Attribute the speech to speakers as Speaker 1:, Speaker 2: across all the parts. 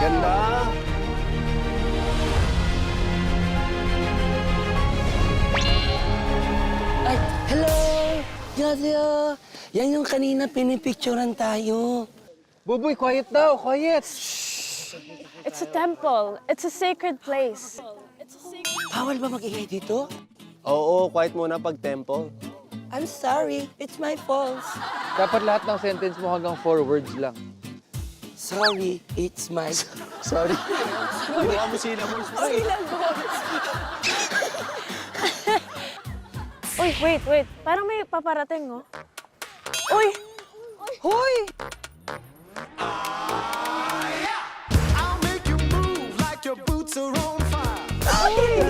Speaker 1: Ganda.
Speaker 2: Ay, hello! Yadyo! Yan yung kanina pinipicturean tayo.
Speaker 3: Buboy, quiet daw, quiet.
Speaker 4: It's a temple. It's a sacred place.
Speaker 2: Bawal ba mag-ingay dito?
Speaker 1: Oo, quiet muna pag tempo.
Speaker 2: I'm sorry, it's my fault.
Speaker 3: Dapat lahat ng sentence mo hanggang 4 words lang.
Speaker 2: Sorry, it's my...
Speaker 1: Sorry. Ginawa mo syllables.
Speaker 4: Uy, wait. Parang may paparating, oh. Uy!
Speaker 2: Hoy!
Speaker 5: I'll make you move like your boots are on fire.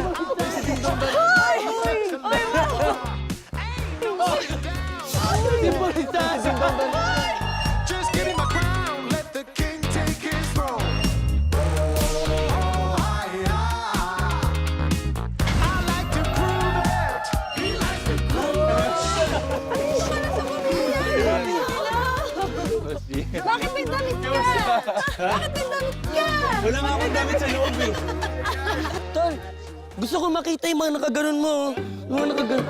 Speaker 5: Just give me my crown, let the king take his throne. I like to prove it. He likes to
Speaker 4: Bakit may damit ka? Bakit may damit ka?
Speaker 1: Wala nga akong damit sa loob eh.
Speaker 2: Tol, gusto ko makita yung mga nakaganon mo. Yung mga nakaganon.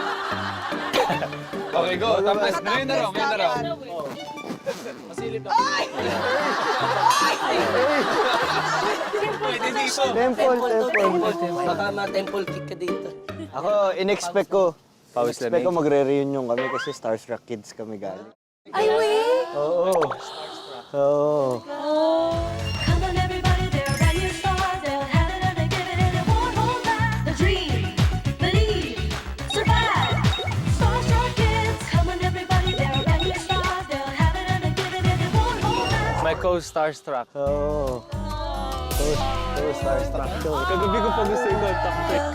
Speaker 3: Okay, go. Tapos, ngayon na raw.
Speaker 2: Temple. Baka ma-temple kick ka dito.
Speaker 6: Ako, in-expect ko.
Speaker 3: Pawis
Speaker 6: Expect ko magre-reunion kami kasi Starstruck Kids kami galing.
Speaker 4: Ay, wait!
Speaker 6: Oo. Oo.
Speaker 7: Come on, everybody, they're brand new stars. They'll have it and they give it and they won't hold back. The dream, believe, survive. Starstruck kids. Come on, everybody, they're brand new stars. They'll have it and they give it and they won't hold back.
Speaker 3: My co-starstruck.
Speaker 6: Oo. So Starstruck to.
Speaker 3: Kagabi ko pa gusto yung contact eh.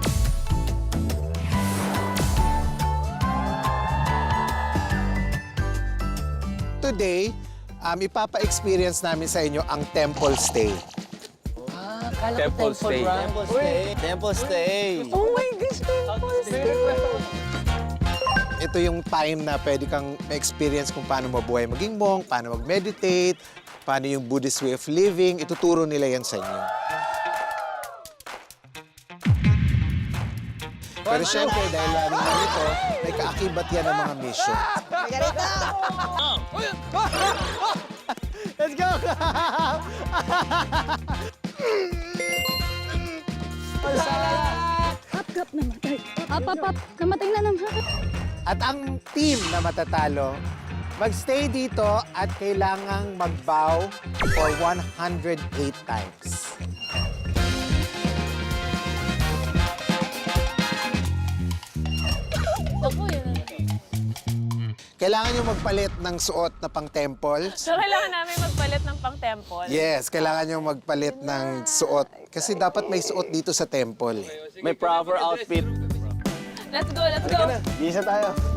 Speaker 5: Today, ipapa-experience namin sa inyo ang temple stay.
Speaker 2: Ah, kala ko
Speaker 3: Temple
Speaker 2: temple
Speaker 3: stay.
Speaker 2: run.
Speaker 6: Temple stay. Temple stay.
Speaker 2: Oh my gosh, temple stay!
Speaker 5: Ito yung time na pwede kang ma-experience kung paano mabuhay maging monk, paano mag-meditate, paano yung Buddhist way of living. Ituturo nila yan sa inyo. Pero syempre, dahil ano na ito, may kaakibat yan ng mga mission.
Speaker 6: Let's go!
Speaker 4: Up, namatay. Up. Namatay na naman.
Speaker 5: At ang team na matatalo, magstay dito at kailangang mag-bow for 108 times. Kailangan nyo magpalit ng suot na pang-temple.
Speaker 4: So, kailangan namin magpalit ng pang-temple?
Speaker 5: Yes, kailangan nyo magpalit ng suot. Kasi dapat may suot dito sa temple.
Speaker 6: May proper outfit.
Speaker 4: Let's go.
Speaker 6: Gisa tayo.